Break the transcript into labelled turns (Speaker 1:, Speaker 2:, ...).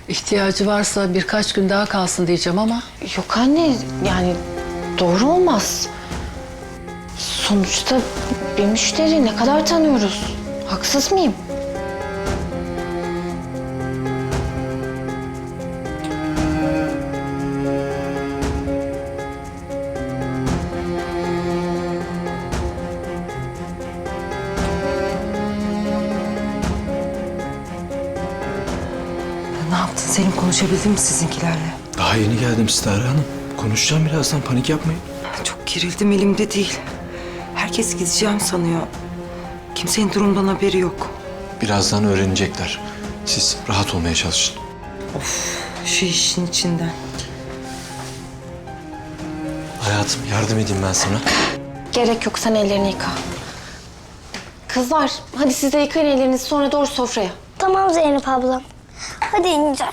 Speaker 1: İhtiyacı varsa birkaç gün daha kalsın diyeceğim ama...
Speaker 2: Yok anne, yani doğru olmaz. Sonuçta bir müşteri, ne kadar tanıyoruz? Haksız mıyım?
Speaker 3: Ne yaptın Selim? Konuşabildin mi sizinkilerle?
Speaker 4: Daha yeni geldim Sitare Hanım. Konuşacağım birazdan, panik yapmayın.
Speaker 3: Çok gerildim, elimde değil. Herkes gideceğim sanıyor. Kimsenin durumdan haberi yok.
Speaker 4: Birazdan öğrenecekler. Siz rahat olmaya çalışın.
Speaker 3: Şu işin içinden.
Speaker 4: Hayatım, yardım edeyim ben sana.
Speaker 2: Gerek yok, sen ellerini yıka. Kızlar, hadi siz de yıkayın ellerinizi, sonra doğru sofraya.
Speaker 5: Tamam Zeynep ablam. Hadi ineceğim.